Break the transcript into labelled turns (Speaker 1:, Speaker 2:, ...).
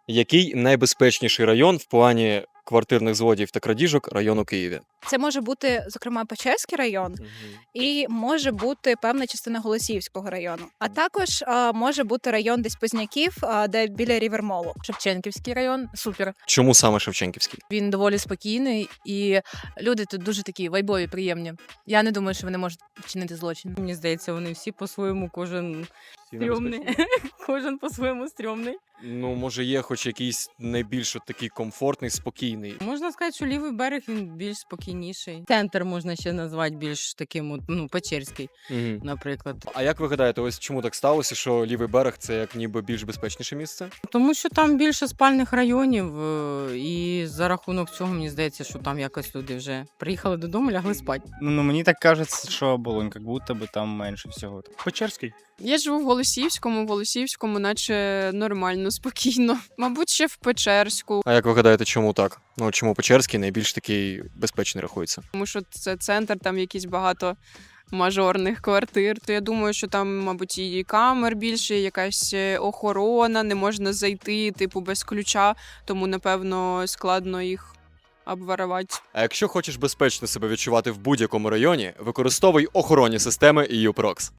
Speaker 1: Який найбезпечніший район в плані квартирних злодіїв та крадіжок район у Києві?
Speaker 2: Це може бути, зокрема, Печерський район, і може бути певна частина Голосіївського району. А також може бути район десь Позняків, де біля Рівермолу.
Speaker 3: Шевченківський район супер.
Speaker 1: Чому саме Шевченківський?
Speaker 3: Він доволі спокійний, і люди тут дуже такі вайбові, приємні. Я не думаю, що вони можуть вчинити злочин.
Speaker 4: Мені здається, вони всі по-своєму, кожен стрьомний. Кожен по-своєму стрьомний.
Speaker 1: Ну, може, є хоч якийсь найбільш от такий комфортний, спокійний.
Speaker 4: Можна сказати, що лівий берег він більш спокійніший. Центр можна ще назвати більш таким, Печерський, наприклад.
Speaker 1: А як ви гадаєте, ось чому так сталося, що лівий берег це як ніби більш безпечніше місце?
Speaker 4: Тому що там більше спальних районів, і за рахунок цього мені здається, що там якось люди вже приїхали додому, лягли спати.
Speaker 5: Ну, мені так кажеться, що Оболонь, як будто би там менше всього.
Speaker 6: Печерський.
Speaker 7: Я живу в Голосіївському наче нормально, спокійно. Мабуть, ще в Печерську,
Speaker 1: А як ви гадаєте, чому так? Ну, чому Печерський найбільш такий безпечний рахується?
Speaker 7: тому що це центр, там якісь багато мажорних квартир. То я думаю, що там, мабуть, і камер більше, якась охорона, не можна зайти, типу, без ключа, тому, напевно, складно їх обворовати.
Speaker 1: А якщо хочеш безпечно себе відчувати в будь-якому районі, використовуй охоронні системи EU Prox.